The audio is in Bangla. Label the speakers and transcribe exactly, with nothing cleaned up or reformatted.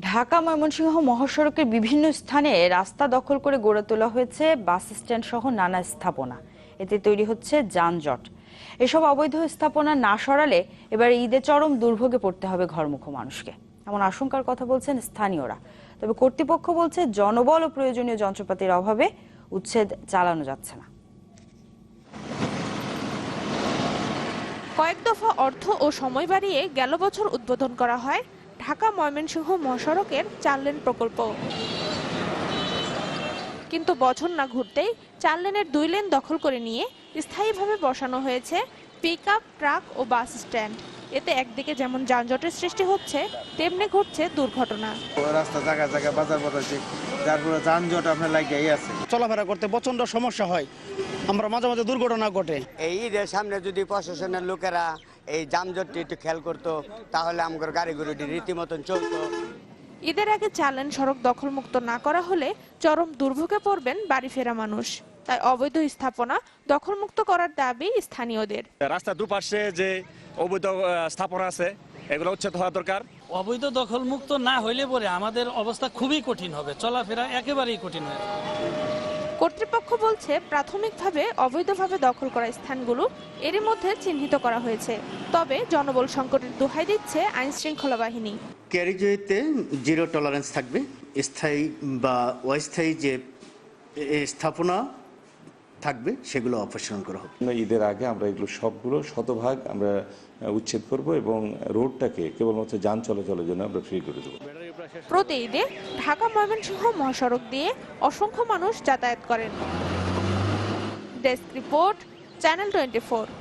Speaker 1: ঢাকা ময়মনসিংহ মহাসড়কের বিভিন্ন স্থানে রাস্তা দখল করে গড়ে তোলা হয়েছে বাস স্ট্যান্ড সহ নানা স্থাপনা। এতে তৈরি হচ্ছে যানজট। এসব অবৈধ স্থাপনা না সরালে এবার ঈদে চরম দুর্ভোগে পড়তে হবে ঘরমুখো মানুষকে, এমন আশঙ্কার কথা বলছেন স্থানীয়রা। তবে কর্তৃপক্ষ বলছে জনবল ও প্রয়োজনীয় যন্ত্রপাতির অভাবে উচ্ছেদ চালানো যাচ্ছে না।
Speaker 2: কয়েক দফা অর্থ ও সময় বাড়িয়ে গেল বছর উদ্বোধন করা হয় ঢাকা ময়মনসিংহ মহাসড়কের চার লেন প্রকল্প, কিন্তু বছর না ঘুরতেই চার লেনের দুই লেন দখল করে নিয়ে স্থায়ীভাবে বসানো হয়েছে পিকআপ, ট্রাক ও বাস স্ট্যান্ড। এতে একদিকে যেমন যানজটের সৃষ্টি হচ্ছে, তেমনি ঘটছে দুর্ঘটনা।
Speaker 3: রাস্তা জায়গায় জায়গায় বাজার বসাচ্ছে, যার ফলে যানজট আপনার লাগিয়েই আছে।
Speaker 4: চলাফেরা করতে প্রচন্ড সমস্যা হয়, আমরা মাঝে মাঝে দুর্ঘটনা ঘটে।
Speaker 5: এই ঈদের সামনে যদি প্রশাসনের লোকেরা এই যানজটটি একটু খেয়াল করতো, তাহলে আমাদের গাড়িগুলোটি রীতিমতন চলতো।
Speaker 2: ঈদের আগে চার লেন সড়ক দখলমুক্ত না করা হলে চরম দুর্ভোগে পড়বেন বাড়ি ফেরা মানুষ। তাই অবৈধ স্থাপনা দখলমুক্ত করার দাবি স্থানীয়দের।
Speaker 6: রাস্তার দুপাশে যে অবৈধ স্থাপনা আছে এগুলো উচ্ছেদ হওয়া দরকার।
Speaker 7: অবৈধ দখল মুক্ত না হইলে পরে আমাদের অবস্থা খুবই কঠিন হবে, চলাফেরা একেবারেই কঠিন হবে।
Speaker 2: কর্তৃপক্ষ বলছে প্রাথমিকভাবে অবৈধভাবে দখল করা স্থানগুলো এরই মধ্যে চিহ্নিত করা হয়েছে, তবে জনবল সংকটের দোহাই দিচ্ছে আইন শৃঙ্খলা বাহিনী।
Speaker 8: ক্যারিজওয়েতে জিরো টলারেন্স থাকবে। স্থায়ী বা অস্থায়ী যে স্থাপনা থাকবে সেগুলো অপসারণ করা হবে।
Speaker 9: ঈদের আগে আমরা এগুলো সবগুলো শতভাগ আমরা উচ্ছেদ করব এবং রোডটাকে কেবলমাত্র যান চলাচলের জন্য আমরা ফ্রি করে দেবো।
Speaker 2: প্রতি ঈদে ঢাকা ময়মনসিংহ মহাসড়ক দিয়ে অসংখ্য মানুষ যাতায়াত করেন। Desk report, channel twenty four.